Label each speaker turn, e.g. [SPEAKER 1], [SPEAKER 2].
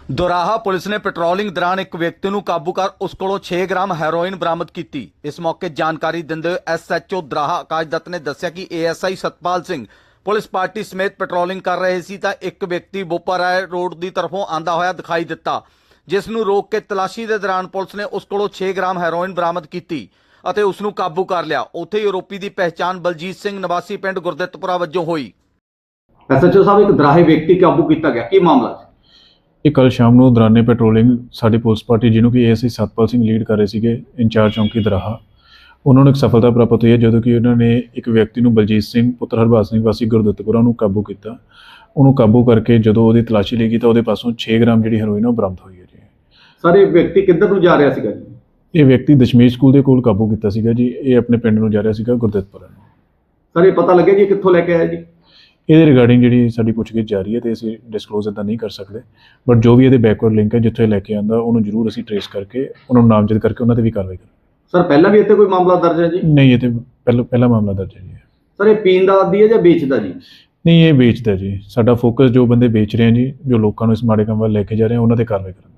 [SPEAKER 1] दोराहा police ने patrolling दौरान एक व्यक्ति ਨੂੰ ਕਾਬੂ ਕਰ ਉਸ ਕੋਲੋਂ 6 ਗ੍ਰਾਮ ਹੈਰੋਇਨ ਬਰਾਮਦ ਕੀਤੀ। ਇਸ ਮੌਕੇ ਜਾਣਕਾਰੀ ਦਿੰਦੇ ਹੋਏ ਐਸਐਚਓ ਦਰਾਹਾ ਆਕਾਸ਼ ਦੱਤ ਨੇ ਦੱਸਿਆ ਕਿ ASI Satpal Singh police party ਸਮੇਤ ਪੈਟਰੋਲਿੰਗ ਕਰ ਰਹੇ ਸੀ ਤਾਂ ਇੱਕ ਵਿਅਕਤੀ ਬੋਪਾਰਾਏ ਰੋਡ ਦੀ ਤਰਫੋਂ ਆਂਦਾ ਹੋਇਆ ਦਿਖਾਈ ਦਿੱਤਾ, ਜਿਸ ਨੂੰ ਰੋਕ ਕੇ ਤਲਾਸ਼ੀ ਦੇ ਦੌਰਾਨ ਪੁਲਿਸ ਨੇ ਉਸ ਕੋਲੋਂ 6 ਗ੍ਰਾਮ ਹੈਰੋਇਨ ਬਰਾਮਦ ਕੀਤੀ ਅਤੇ ਉਸ ਨੂੰ ਕਾਬੂ ਕਰ ਲਿਆ। ਉੱਥੇ ਹੀ ਆਰੋਪੀ ਦੀ ਪਹਿਚਾਣ ਬਲਜੀਤ ਸਿੰਘ ਨਿਵਾਸੀ ਪਿੰਡ ਗੁਰਦਿੱਤਪੁਰਾ ਵਜੋਂ ਹੋਈ।
[SPEAKER 2] ਐਸਐਚਓ ਸਾਹਿਬ, ਇੱਕ ਦਰਾਹੇ ਵਿਅਕਤੀ ਕਾਬੂ ਕੀਤਾ ਗਿਆ, ਕੀ ਮਾਮਲਾ ਸੀ?
[SPEAKER 3] ਇਹ ਕੱਲ੍ਹ ਸ਼ਾਮ ਨੂੰ ਦੌਰਾਨੇ ਪੈਟਰੋਲਿੰਗ ਸਾਡੀ ਪੁਲਿਸ ਪਾਰਟੀ ਜਿਹਨੂੰ ਕਿ ਏਐਸਆਈ ਸਤਪਾਲ ਸਿੰਘ ਲੀਡ ਕਰ ਰਹੇ ਸੀਗੇ ਇੰਚਾਰਜ ਚੌਂਕੀ ਦਰਾਹਾ, ਉਹਨਾਂ ਨੂੰ ਇੱਕ ਸਫਲਤਾ ਪ੍ਰਾਪਤ ਹੋਈ ਹੈ ਜਦੋਂ ਕਿ ਉਹਨਾਂ ਨੇ ਇੱਕ ਵਿਅਕਤੀ ਨੂੰ ਬਲਜੀਤ ਸਿੰਘ ਪੁੱਤਰ ਹਰਬਾਜ ਸਿੰਘ ਵਾਸੀ ਗੁਰਦਿੱਤਪੁਰਾ ਨੂੰ ਕਾਬੂ ਕੀਤਾ। ਉਹਨੂੰ ਕਾਬੂ ਕਰਕੇ ਜਦੋਂ ਉਹਦੀ ਤਲਾਸ਼ੀ ਲਈ ਤਾਂ ਉਹਦੇ ਪਾਸੋਂ 6 ਗ੍ਰਾਮ ਜਿਹੜੀ ਹੈਰੋਇਨ ਉਹ ਬਰਾਮਦ ਹੋਈ ਹੈ ਜੀ।
[SPEAKER 2] ਸਰ, ਇਹ ਵਿਅਕਤੀ ਕਿੱਧਰ ਨੂੰ ਜਾ ਰਿਹਾ ਸੀਗਾ ਜੀ?
[SPEAKER 3] ਇਹ ਵਿਅਕਤੀ ਦਸ਼ਮੇਸ਼ ਸਕੂਲ ਦੇ ਕੋਲ ਕਾਬੂ ਕੀਤਾ ਸੀਗਾ ਜੀ। ਇਹ ਆਪਣੇ ਪਿੰਡ ਨੂੰ ਜਾ ਰਿਹਾ ਸੀਗਾ ਗੁਰਦਿੱਤਪੁਰਾ ਨੂੰ।
[SPEAKER 2] ਸਰ, ਇਹ ਪਤਾ ਲੱਗਿਆ ਜੀ ਕਿੱਥੋਂ ਲੈ ਕੇ ਆਇਆ ਜੀ?
[SPEAKER 3] ਇਹਦੇ ਰਿਗਾਰਡਿੰਗ ਜਿਹੜੀ ਸਾਡੀ ਪੁੱਛਗਿੱਛ ਜਾਰੀ ਹੈ ਤੇ ਅਸੀਂ ਡਿਸਕਲੋਜ਼ ਇੱਦਾਂ ਨਹੀਂ ਕਰ ਸਕਦੇ, ਬਟ ਜੋ ਵੀ ਇਹਦੇ ਬੈਕਵਰਡ ਲਿੰਕ ਹੈ ਜਿੱਥੇ ਲੈ ਕੇ ਆਉਂਦਾ ਉਹਨੂੰ ਜ਼ਰੂਰ ਅਸੀਂ ਟਰੇਸ ਕਰਕੇ ਉਹਨਾਂ ਨੂੰ ਨਾਮਜ਼ਦ ਕਰਕੇ ਉਹਨਾਂ 'ਤੇ ਵੀ ਕਾਰਵਾਈ ਕਰਾਂਗੇ।
[SPEAKER 2] ਸਰ, ਪਹਿਲਾਂ ਵੀ ਇੱਥੇ ਕੋਈ ਮਾਮਲਾ ਦਰਜ ਹੈ ਜੀ?
[SPEAKER 3] ਨਹੀਂ, ਇਹ ਤੇ ਪਹਿਲਾ ਮਾਮਲਾ ਦਰਜ ਹੈ ਜੀ।
[SPEAKER 2] ਸਰ, ਇਹ ਪੀਣ ਦਾ ਆਦੀ ਹੈ ਜਾਂ ਵੇਚਦਾ ਜੀ?
[SPEAKER 3] ਨਹੀਂ, ਇਹ ਵੇਚਦਾ ਜੀ। ਸਾਡਾ ਫੋਕਸ ਜੋ ਬੰਦੇ ਵੇਚ ਰਹੇ ਆ ਜੀ, ਜੋ ਲੋਕਾਂ ਨੂੰ ਇਸ ਮਾੜੇ ਕੰਮ ਵੱਲ ਲੈ ਕੇ ਜਾ ਰਹੇ ਆ, ਉਹਨਾਂ 'ਤੇ ਕਾਰਵਾਈ ਕਰਾਂਗੇ।